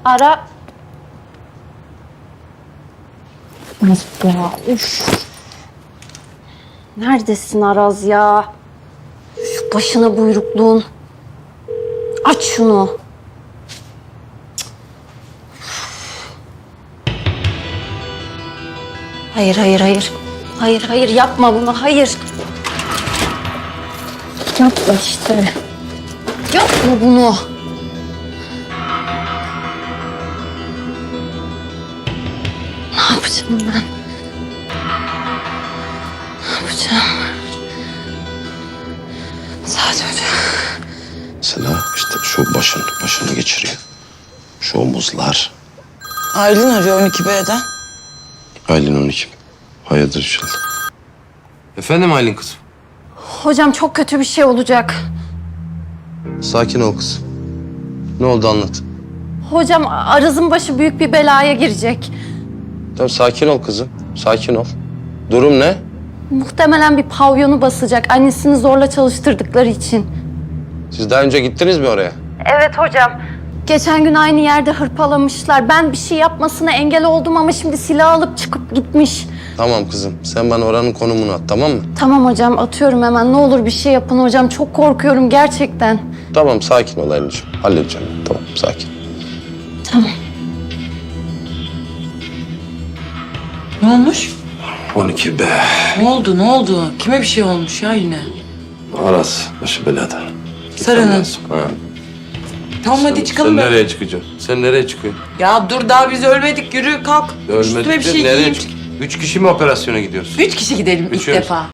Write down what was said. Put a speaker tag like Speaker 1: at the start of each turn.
Speaker 1: Ara. Ya, üf. Neredesin Araz ya? Şu başına buyrukluğun. Aç şunu. Hayır, hayır, hayır. Hayır, hayır yapma bunu, hayır. Yapma işte. Yapma bunu. Ne yapacağım ben? Ne yapacağım? Saat Hoca.
Speaker 2: Sena işte şu başını geçiriyor. Şu omuzlar.
Speaker 3: Aylin arıyor 12B'den.
Speaker 2: Aylin 12. Hayırdır inşallah.
Speaker 4: Efendim Aylin kızım.
Speaker 1: Hocam çok kötü bir şey olacak.
Speaker 2: Sakin ol kız. Ne oldu anlat.
Speaker 1: Hocam Araz'ın başı büyük bir belaya girecek.
Speaker 2: Tamam sakin ol kızım. Sakin ol. Durum ne?
Speaker 1: Muhtemelen bir pavyonu basacak. Annesini zorla çalıştırdıkları için.
Speaker 2: Siz daha önce gittiniz mi oraya?
Speaker 1: Evet hocam. Geçen gün aynı yerde hırpalamışlar. Ben bir şey yapmasına engel oldum ama şimdi silah alıp çıkıp gitmiş.
Speaker 2: Tamam kızım. Sen bana oranın konumunu at, tamam mı?
Speaker 1: Tamam hocam, atıyorum hemen. Ne olur bir şey yapın hocam. Çok korkuyorum gerçekten.
Speaker 2: Tamam sakin ol Aylin'ciğim. Halledeceğim. Tamam sakin.
Speaker 1: Tamam.
Speaker 3: Ne olmuş?
Speaker 2: 12 be.
Speaker 3: Ne oldu, ne oldu? Kime bir şey olmuş ya yine?
Speaker 2: Aras başı belada.
Speaker 3: Sarı'nın.
Speaker 2: Ha.
Speaker 3: Tamam hadi çıkalım.
Speaker 2: Sen
Speaker 3: ben.
Speaker 2: nereye çıkacaksın? Sen nereye çıkıyorsun?
Speaker 3: Ya dur daha biz ölmedik, yürü kalk. Üstüme bir şey
Speaker 2: nereye
Speaker 3: giyeyim.
Speaker 2: çık? 3 kişi mi operasyona gidiyorsun?
Speaker 3: 3 kişi gidelim ilk
Speaker 2: Üçüyoruz.
Speaker 3: defa.